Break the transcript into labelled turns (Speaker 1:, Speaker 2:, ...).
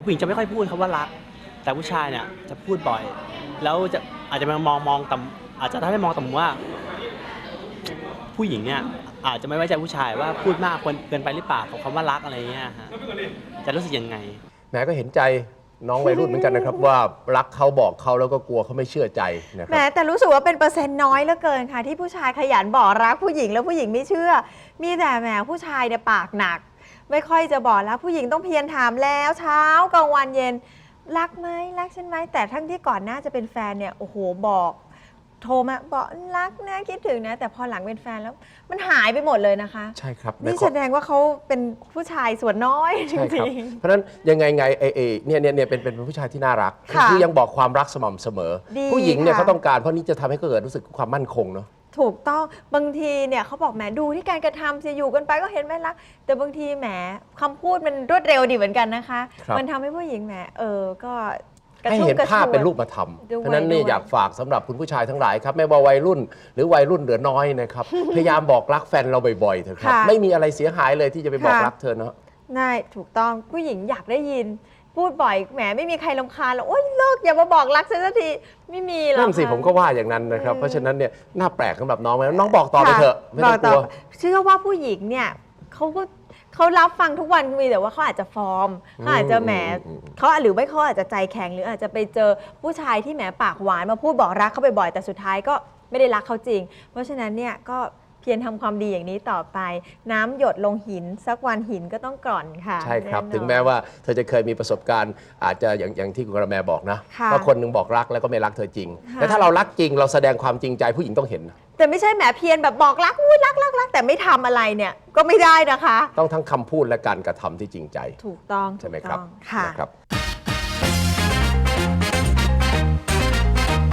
Speaker 1: ผู้หญิงจะไม่ค่อยพูดคำว่ารักแต่ผู้ชายเนี่ยจะพูดบ่อยแล้วจะอาจจะมองต่ำอาจจะทำให้มองต่ำว่าผู้หญิงเนี่ยอาจจะไม่ไว้ใจผู้ชายว่าพูดมากเกินไปหรือเปล่ากับคำว่ารักอะไรเงี้ยฮะจะรู้สึกยังไง
Speaker 2: แหมก็เห็นใจน้องวัยรุ่นเหมือนกันนะครับว่ารักเขาบอกเขาแล้วก็กลัวเขาไม่เชื่อใจนะครั
Speaker 3: บแต่รู้สึกว่าเป็นเปอร์เซ็นต์น้อยเหลือเกินค่ะที่ผู้ชายขยันบอกรักผู้หญิงแล้วผู้หญิงไม่เชื่อมีแต่แหมผู้ชายเนี่ยปากหนักไม่ค่อยจะบอกรักผู้หญิงต้องเพียรถามแล้วเช้ากลางวันเย็นรักไหมรักฉันไหมแต่ทั้งที่ก่อนหน้าจะเป็นแฟนเนี่ยโอ้โหบอกโทรมาบอกรักนะคิดถึงนะแต่พอหลังเป็นแฟนแล้วมันหายไปหมดเลยนะคะ
Speaker 2: ใช่ครับ
Speaker 3: นี่แสดงว่าเขาเป็นผู้ชายส่วนน้อยจริง
Speaker 2: ๆเพราะฉะนั้นยังไงเนี่ยเป็นผู้ชายที่น่ารักคือยังบอกความรักสม่ำเสมอผู้หญิงเนี่ยเขาต้องการเพราะนี่จะทำให้เกิดรู้สึกความมั่นคงเนาะ
Speaker 3: ถูกต้องบางทีเนี่ยเขาบอกแหมดูที่การกระทำจะอยู่กันไปก็เห็นไหมรักแต่บางทีแหมคำพูดมันรวดเร็วดีเหมือนกันนะคะมันทำให้ผู้หญิงแหมก็
Speaker 2: ให้เห็นภาพเป็นรูปธรรมเพราะนั้นนี่อยากฝากสำหรับคุณผู้ชายทั้งหลายครับไม่ว่าวัยรุ่นหรือวัยรุ่นเหลือน้อยนะครับพยายามบอกรักแฟนเราบ่อยๆเถอะครับไม่มีอะไรเสียหายเลยที่จะไปบอกรักเธอเนาะ
Speaker 3: ง่ายถูกต้องผู้หญิงอยากได้ยินพูดบ่อยแหมไม่มีใครรำคาญหรอกโอ๊ยเลิกอย่ามาบอกรักฉันสักทีไม่มีหรอก
Speaker 2: นั่นสิผมก็ว่าอย่างนั้นนะครับเพราะฉะนั้นเนี่ยน่าแปลกสำหรับน้องน้องบอกต่อไปเถอะไม่ต้องกลัว
Speaker 3: เชื่อว่าผู้หญิงเนี่ยเขารับฟังทุกวันมีแต่ว่าเขาอาจจะฟอร์มเขาอาจจะแหมเขาหรือไม่เขาอาจจะใจแข็งหรืออาจจะไปเจอผู้ชายที่แหมปากหวานมาพูดบอกรักเขาบ่อยๆแต่สุดท้ายก็ไม่ได้รักเขาจริงเพราะฉะนั้นเนี่ยก็เพียรทำความดีอย่างนี้ต่อไปน้ำหยดลงหินสักวันหินก็ต้องกร่อนค่ะ
Speaker 2: ใช่ครับถึงแม้ว่าเธอจะเคยมีประสบการณ์อาจจะอย่างที่คุณกระแมบอกนะว่าคนนึงบอกรักแล้วก็ไม่รักเธอจริงแต่ถ้าเรารักจริงเราแสดงความจริงใจผู้หญิงต้องเห็น
Speaker 3: แต่ไม่ใช่แหมเพียรแบบบอกรักรักแต่ไม่ทำอะไรเนี่ยก็ไม่ได้นะคะ
Speaker 2: ต้องทั้งคำพูดและการกระทำที่จริงใจ
Speaker 3: ถูกต้อง
Speaker 2: ใช่ไหมครับ
Speaker 3: ค่ะ
Speaker 2: นะครับ